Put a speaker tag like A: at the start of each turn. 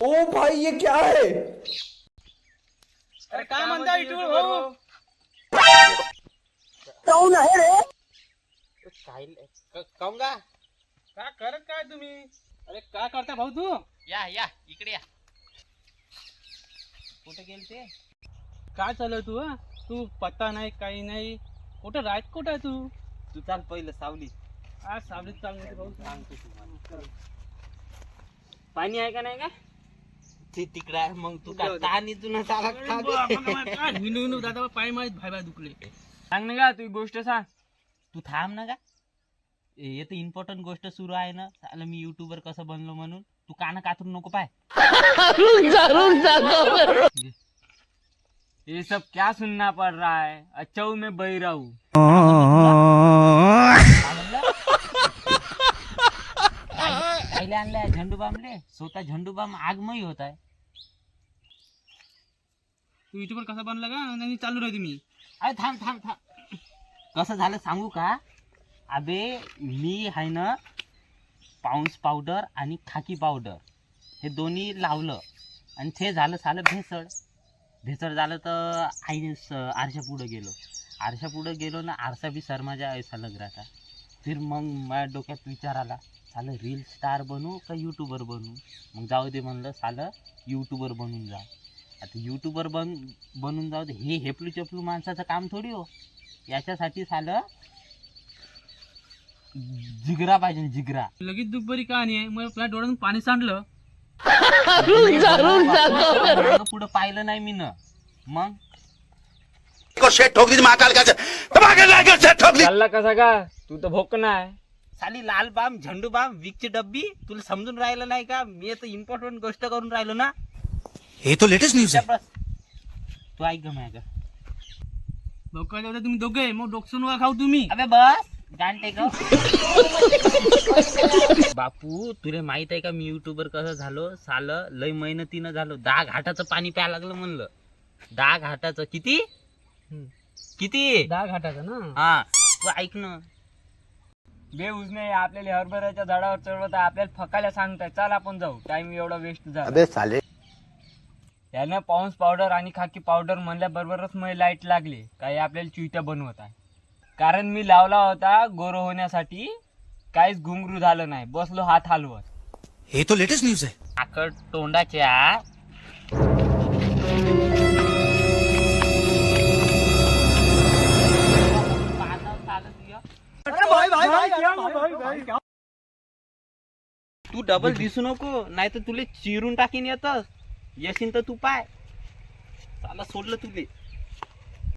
A: ओ भाई ये क्या है?
B: अरे काय म्हणता युट्यूब भाऊ?
C: कौन आहे रे?
D: काऊंगा
B: काय करत काय तुम्ही? अरे काय करता भाऊ तू?
D: या या इकडे या. कुठे गेल ते?
B: काय चालू तू? तू पत्ता नाही काही नाही. कुठं राहत कुठं आहे तू?
D: तू चाल पहिलं सावली.
B: आज सावलीत चालू भाऊ
D: सांगतो तुम्हाला.
B: पाणी आहे का नाही का?
D: ते तिकडे आहे मग तू काय ताण इथून चाला
B: हिंदू दादा पाय माहीत भाई भाई दुखले. सांग ना का तू गोष्ट सांग.
D: तू थांब ना का. येतं इम्पॉर्टंट गोष्ट सुरू आहे ना. साला मी युट्यूबर कसं बनलो म्हणून. तू काना कातून नको पाय.
B: ये सब क्या सुनना पड़ रहा है? अच्छा हूँ मैं बहिरा हूँ.
D: पहिले आणले झंडू बामले. स्वतः झंडू बाम आगमयी होत आहे.
B: तू युट्यूबर कसा बनला का? आणि चालू राहते मी.
D: अरे थांब थांब थांब. कसं झालं सांगू का. अबे मी आहे ना पाऊंस पावडर आणि खाकी पावडर हे दोन्ही लावलं आणि ते झालं सालं भेसळ झालं तर आईने आरशा पुढं गेलो ना. आरसा बी शर्माजा ऐसा लग रहा था. फिर मग माझ्या डोक्यात विचार आला सालं रील स्टार बनू का यूट्यूबर बनू. मग जाऊ दे म्हणलं सालं यूट्यूबर बनून जा. आता यूट्यूबर बनून जाऊ दे. हे हेपलू चपलू माणसाचं काम थोडी हो. याच्यासाठी सालं जिगरा पाहिजे जिगरा.
B: लगेच दुपारी कहाणी आहे. मग आपल्या डोळ्यातून पाणी सांडलं.
D: पुढं पाहिलं नाही मी न. मग
B: चालला कसा का? तू तर भोकना आहे.
D: साली लाल बाम झंडू बाम विकची डब्बी तुला समजून राहिलं नाही का. मी आता इम्पॉर्टंट गोष्ट करून राहिलो ना.
C: हे तो लेटेस्ट न्यूज है.
D: तू ऐक ग माझ्या.
B: भोका तुम्ही दोघे मग डोकसून खाऊ तुम्ही.
D: अबे बस गांटे ग. बापू तुला माहित आहे का मी युट्यूबर कसं झालो. सालं लय मेहनतीनं झालो. 10 घाटाचं पाणी प्यायला लागलं म्हणलं. 10 घाटाचं किती
B: 10 घाटाचं ना.
D: हा तू ऐक ना.
B: बेऊज नाही आपल्याला हरभऱ्याच्या झाडावर चढवत आपल्याला फकायला सांगताय. चल आपण जाऊ. टाइम एवढा वेस्ट झाला.
C: अबे साले.
B: यानं पाऊंस पावडर आणि खाकी पावडर म्हणल्या बरोबरच मला लाईट लागली. काही आपल्याला चुईत्या बनवत आहे. कारण मी लावला होता गोरो होण्यासाठी. काहीच घुंगरू झालं नाही. बसलो हात हलवत.
C: हे तो लेटेस्ट न्यूज है.
D: आकड तोंडाच्या तू डबल दिसू नको नाही तर तुले चिरून टाकीन येतस. येशील तर तू पाय. चाला सोडलं तुले.